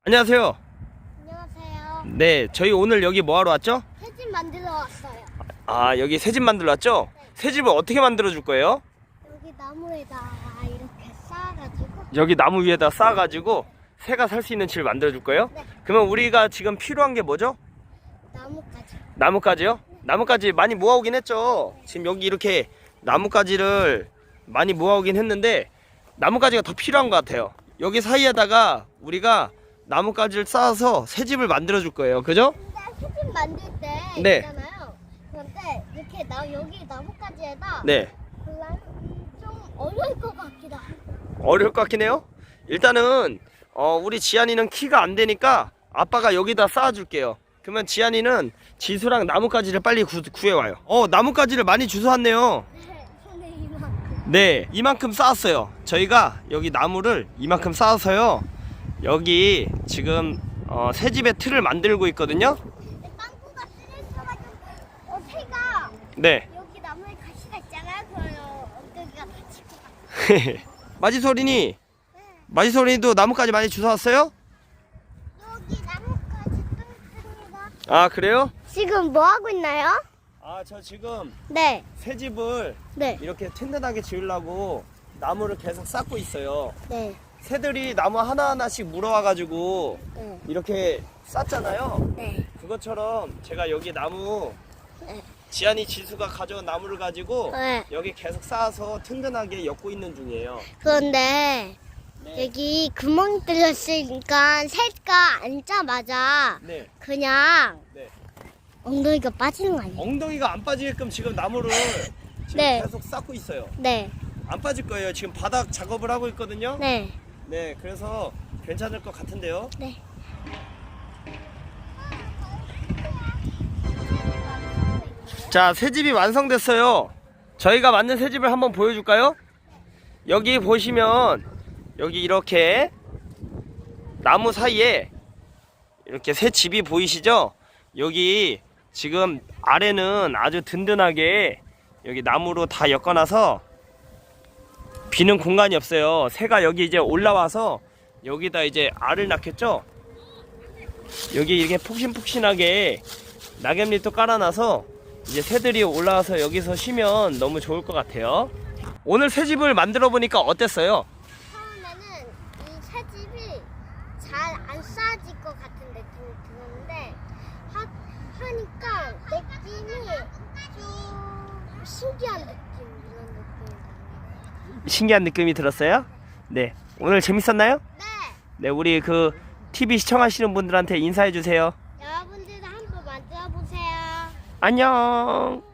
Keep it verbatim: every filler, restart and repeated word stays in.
안녕하세요. 안녕하세요. 네, 저희 오늘 여기 뭐 하러 왔죠? 새집 만들러 왔어요. 아, 여기 새집 만들러 왔죠? 네. 새집을 어떻게 만들어 줄 거예요? 여기 나무에다 이렇게 쌓아가지고. 여기 나무 위에다 쌓아가지고 새가 살 수 있는 집을 만들어 줄 거예요? 네. 그러면 우리가 지금 필요한 게 뭐죠? 나무까지. 나뭇가지요? 나뭇가지 많이 모아오긴 했죠. 지금 여기 이렇게 나뭇가지를 많이 모아오긴 했는데 나뭇가지가 더 필요한 것 같아요. 여기 사이에다가 우리가 나뭇가지를 쌓아서 새 집을 만들어 줄 거예요. 그죠? 근데 새집 만들 때 네. 있잖아요. 그런데 이렇게 나 여기 나무까지에다. 네. 그러면 좀 어려울 것 같기도 하고. 어려울 것 같긴 해요. 일단은 어, 우리 지안이는 키가 안 되니까 아빠가 여기다 쌓아줄게요. 그러면 지안이는 지수랑 나뭇가지를 빨리 구, 구해와요. 어, 나뭇가지를 많이 주워왔네요. 네. 손에 이만큼. 네, 이만큼 쌓았어요. 저희가 여기 나무를 이만큼 쌓아서요. 여기 지금 어, 새 집의 틀을 만들고 있거든요. 근데 빵꾸가 쓰레쉬가지고 어, 새가 네. 여기 나무에 가시가 있잖아요. 그러면 엉덩이가 다칠 것 같아요. 마지소린이 네. 마지소린이도 나뭇가지 많이 주워왔어요? 여기 나무까지 또 있습니다. 아, 그래요? 지금 뭐 하고 있나요? 아, 저 지금 네. 새 집을 네. 이렇게 튼튼하게 지으려고 나무를 계속 쌓고 있어요. 네. 새들이 나무 하나하나씩 물어와가지고 네. 이렇게 쌓잖아요. 네. 그것처럼 제가 여기 나무 네. 지안이 지수가 가져온 나무를 가지고 네. 여기 계속 쌓아서 튼튼하게 엮고 있는 중이에요. 그런데 네. 여기 구멍이 뚫렸으니까 새가 앉자마자 네. 그냥 네. 엉덩이가 빠지는 거 아니에요? 엉덩이가 안 빠지게끔 지금 나무를 지금 네. 계속 쌓고 있어요. 네. 안 빠질 거예요. 지금 바닥 작업을 하고 있거든요. 네. 네, 그래서 괜찮을 것 같은데요. 네. 자, 새 집이 완성됐어요. 저희가 만든 새 집을 한번 보여줄까요? 여기 보시면 여기 이렇게 나무 사이에 이렇게 새 집이 보이시죠? 여기 지금 아래는 아주 든든하게 여기 나무로 다 엮어놔서 비는 공간이 없어요. 새가 여기 이제 올라와서 여기다 이제 알을 낳겠죠? 여기 이렇게 폭신폭신하게 낙엽잎도 깔아놔서 이제 새들이 올라와서 여기서 쉬면 너무 좋을 것 같아요. 오늘 새 집을 만들어 보니까 어땠어요? 처음에는 이 새집이 잘 안 쌓아질 것 같은 느낌이 들었는데 하, 하니까 느낌이 좀 신기한 느낌 이런 느낌이 나요. 신기한 느낌이 들었어요? 네. 오늘 재밌었나요? 네. 네, 우리 그 티비 시청하시는 분들한테 인사해 주세요. 여러분들도 한번 만들어 보세요. 안녕.